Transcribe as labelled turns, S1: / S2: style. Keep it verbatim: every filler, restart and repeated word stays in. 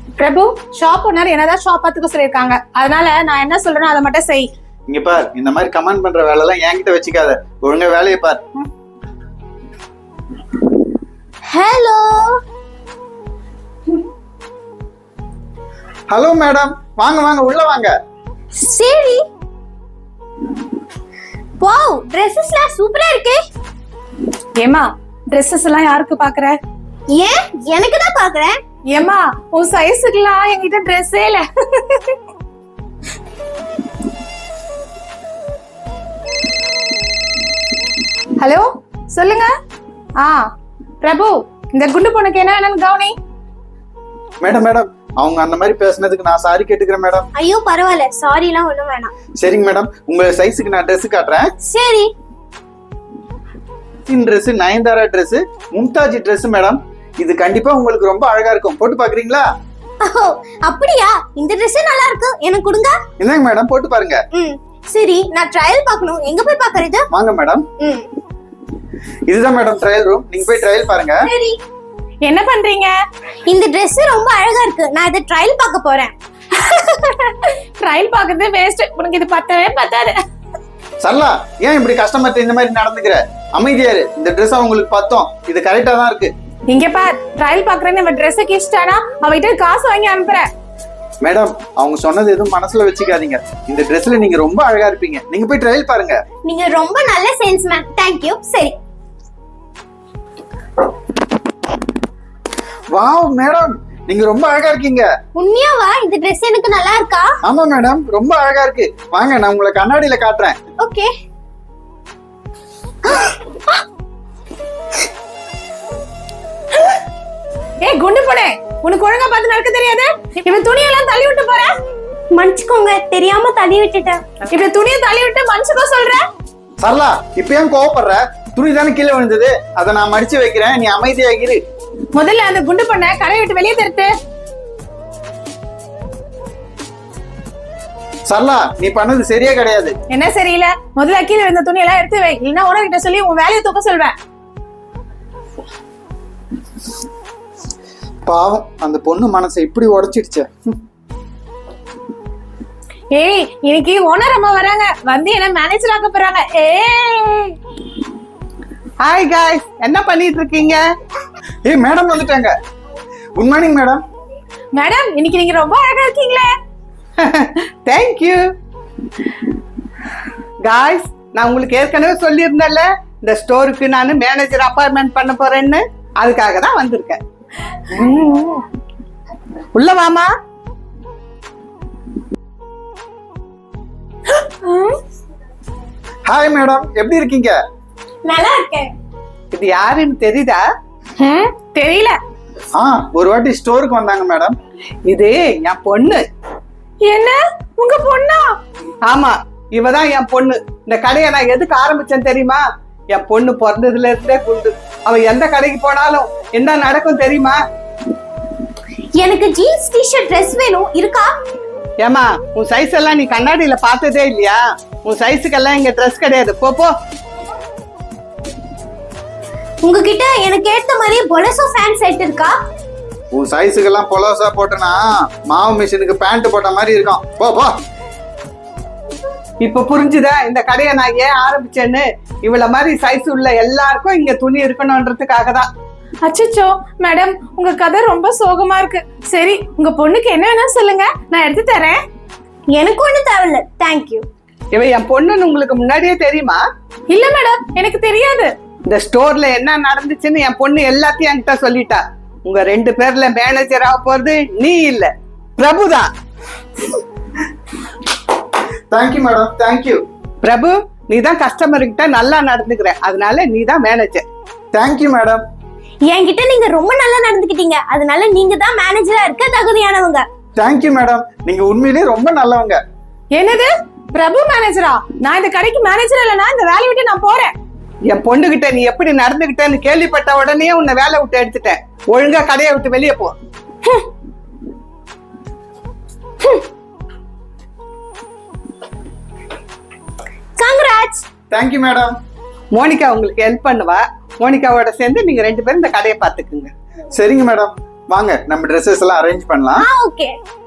S1: பிரபு, shop owner என்னதான் shop பார்த்துக்க சொல்லிருக்காங்க. அதனால நான் என்ன சொல்றேனோ அதை மட்டும் செய்.
S2: இங்க பார், இந்த மாதிரி கமெண்ட் பண்ற வேலை எல்லாம் என்கிட்ட வச்சுக்காத. ஒழுங்கா வேலையை பார்.
S3: ஹலோ
S2: ஹலோ மேடம், வாங்க வாங்க உள்ள வாங்க.
S3: சரி. வாவ், Dressesலாம் சூப்பரா இருக்கு.
S1: ஏமா, Dresses எல்லாம் யாருக்கு பாக்குற?
S3: ஏன் எனக்கு தான் பாக்குறேன்.
S1: ஏமா, உன் சைஸுக்குலாம் என்கிட்ட ட்ரெஸ்ஸே இல்ல. ஹலோ, சொல்லுங்க. ஆ பிரபு, இந்த குண்டு பொண்ணுக்கு என்ன வேணும்னு கவனி.
S2: மேடம் மேடம், அவங்க அந்த மாதிரி பேசுனதுக்கு நான் சாரி கேட்டுக்கிறேன் மேடம்.
S3: ஐயோ பரவாயில்ல, சாரி எல்லாம் ஒண்ணும் வேணாம்.
S2: சரிங்க மேடம், உங்க சைஸுக்கு நான் Dress காட்டுறேன்.
S3: சரி.
S2: Dress Nayanthara Dress, Mumtaz Dress madam. இது கண்டிப்பா உங்களுக்கு ரொம்ப அழகா இருக்கும். போட்டு பாக்குறீங்களா?
S3: ஓ அப்படியா? இந்த Dress நல்லா இருக்கு, எனக்கு கொடுங்க.
S2: என்னங்க மேடம், போட்டு பாருங்க.
S3: ம் சரி, நான் ட்ரையல் பார்க்கணும். எங்க போய் பார்க்கறது?
S2: வாங்க மேடம்.
S3: ம்
S2: இதுதான் மேடம் ட்ரையல் ரூம். நீங்க போய் ட்ரையல் பாருங்க.
S3: சரி.
S1: என்ன பண்றீங்க?
S3: இந்த Dress ரொம்ப அழகா இருக்கு. நான் இத ட்ரையல் பார்க்க போறேன்.
S1: ட்ரையல் பார்க்கறது வேஸ்ட். உனக்கு இது பத்தவே பத்தாது.
S2: சரளா, ஏன் இப்படி கஸ்டமர்ட்ட இந்த மாதிரி நடந்துக்கிற? அமைதியாரு. இந்த Dress உங்களுக்கு பத்தோம். இது கரெக்டா தான் இருக்கு.
S1: இங்க பார், ட்ரையல் பாக்குறேன்னு நம்ம Dress கிஷ்டானா அவகிட்ட காசு வாங்கி அனுப்புறேன்.
S2: மேடம், அவங்க சொன்னது எதுவும் மனசுல வச்சுக்காதீங்க. இந்த Dressல நீங்க ரொம்ப அழகா இருப்பீங்க. நீங்க போய் ட்ரையல் பாருங்க.
S3: நீங்க ரொம்ப நல்ல சேல்ஸ்மேன். Thank you. சரி.
S2: வாவ் மேடம், நீங்க ரொம்ப அழகா இருக்கீங்க.
S3: உண்மையாவா? இந்த Dress எனக்கு நல்லா இருக்கா?
S2: ஆமா மேடம், ரொம்ப அழகா இருக்கு. வாங்க, நான் உங்களை கண்ணாடியில காட்டுறேன்.
S3: ஓகே.
S1: ஏய் குண்டு பொண்ணே, உனக்கு ஒழுங்கா பார்த்து நடக்க தெரியாது? இவன் துணியெல்லாம் தள்ளி விட்டு போற.
S3: மன்னிச்சுக்கோங்க, தெரியாம தள்ளி விட்டுட்டேன்.
S1: இப்ப துணியை தள்ளி விட்டு மனுஷக்கோ சொல்ற?
S2: சரளா, இப்ப ஏன் கோவப்படுற? துணி தானே கீழே விழுந்தது, அதை நான் மடிச்சு வைக்கிறேன். நீ அமைதியாகிரு.
S1: முதல்ல அந்த குண்டு பொண்ணை கடை விட்டு வெளியே தருத்து.
S2: சரளா, நீ பண்ணது சரியா கிடையாது.
S1: என்ன சரியில்லை? முதல்ல கீழே விழுந்த துணியெல்லாம் எடுத்து வை, இல்லைன்னா உனக்கிட்ட சொல்லி உன் வேலையை தூக்க சொல்வேன்.
S2: பாவம், அந்த பொண்ணு மனசை இப்படி உடைச்சிடுச்சே.
S1: ஏய், இன்னைக்கு ஓனர் அம்மா வராங்க. வந்து என்ன மேனேஜர் ஆக்க போறாங்க. ஏய்
S4: ஹாய் காய்ஸ், என்ன பண்ணிட்டு இருக்கீங்க?
S2: ஏய் மேடம் வந்துட்டாங்க. Good morning madam.
S1: மேடம், இன்னைக்கு நீங்க ரொம்ப அழகா இருக்கீங்களே.
S4: Thank you guys. நான் உங்களுக்கு ஏற்கனவே சொல்லியிருந்தேன்ல, இந்த ஸ்டோருக்கு நான் மேனேஜர் அப்பாயின்மெண்ட் பண்ண போறேன்னு. அதுக்காக தான் வந்திருக்கேன். உள்ள வாமா.
S2: ஹாய் மேடம், எப்படி இருக்கீங்க?
S3: நல்லா இருக்கேன்.
S4: இது யாருன்னு தெரியுதா?
S1: ம், தெரியல.
S2: ஆ, ஒரு வாட்டி ஸ்டோருக்கு வந்தாங்க மேடம்.
S4: இது என் பொண்ணு.
S1: என்ன, உங்க பொண்ணா?
S4: ஆமா, இவதான் என் பொண்ணு. இந்த கடையை நான் எதுக்கு ஆரம்பிச்சேன் தெரியுமா? என் பொண்ணு பிறந்ததுல இருந்தே குண்டு. அவ எந்த கடைக்கு போனாலும் என்ன நடக்கும் தெரியுமா?
S3: எனக்கு ஜீன்ஸ் டி-ஷர்ட் Dress வேணும். இருக்கா?
S4: ஏமா, உன் சைஸ் எல்லாம் நீ கண்ணாடியில பார்த்ததே இல்லையா? உன் சைஸுக்கெல்லாம் இங்க ட்ரெஸ் கிடையாது. போ போ.
S3: உங்ககிட்ட எனக்கு ஏத்த மாதிரி பொலசோ ஃபேன் செட் இருக்கா?
S2: உன் சைஸுக்கெல்லாம் பொலோசா போட்டனா மாவு மிஷினுக்கு பேண்ட் போட்ட மாதிரி இருக்கும். போ போ.
S4: இப்ப புரிஞ்சுதா இந்த கடையை நான் ஏன் ஆரம்பிச்சேன்னு? இவ்வளவு மாதிரி சைஸ் உள்ள எல்லாருக்கும் இங்க துணி இருக்கணும்ன்றதுக்காக தான்.
S1: அச்சச்சோ மேடம், உங்க கதை ரொம்ப சோகமா இருக்கு. சரி, உங்க பொண்ணுக்கு என்ன வேணும் சொல்லுங்க, நான் எடுத்து தரேன்.
S3: எனக்கு ஒண்ணு தேவையில்ல. Thank you.
S4: இவ என் பொண்ணுன்னு உங்களுக்கு முன்னாடியே தெரியுமா?
S1: இல்ல மேடம், எனக்கு தெரியாது.
S4: இந்த ஸ்டோர்ல என்ன நடந்துச்சுன்னு என் பொண்ணு எல்லாத்தையும் என்கிட்ட சொல்லிட்டா. உங்க ரெண்டு பேர்ல மேனேஜர் ஆக போறது நீ இல்ல, பிரபுதான்.
S2: Thank you madam, thank you.
S4: பிரபு, நீ தான் கஸ்டமர் கிட்ட நல்லா நடந்துக்கிற, அதனால நீ தான் மேனேஜர்.
S2: Thank you madam.
S3: என்கிட்ட நீங்க ரொம்ப நல்லா நடந்துக்கிட்டீங்க, அதனால நீங்க தான் மேனேஜரா இருக்க தகுதியானவங்க.
S2: தேங்க்யூ மேடம், நீங்க உண்மையிலேயே ரொம்ப நல்லவங்க.
S1: என்னது, பிரபு மேனேஜரா? நான் இந்த கடைக்கு மேனேஜர் இல்லைன்னா இந்த வேலையை விட்டு நான் போறேன்.
S4: என் பொண்ணுகிட்ட நீ எப்படி நடந்துகிட்டேன்னு கேள்விப்பட்ட உடனே உன்னை வேலை விட்டு எடுத்துட்டேன். ஒழுங்கா கடையை விட்டு வெளியே போ.
S3: கங்க்ராட்ஸ்.
S2: Thank you madam.
S4: மோனிகா உங்களுக்கு ஹெல்ப் பண்ணுவா. மோனிகாவோட சேர்ந்து நீங்க ரெண்டு பேரும் இந்த கடையை பாத்துக்குங்க.
S2: சரிங்க மேடம். வாங்க நம்ம ட்ரெஸ்ஸஸ் எல்லாம் அரேஞ்ச் பண்ணலாம்
S3: ஆ ஓகே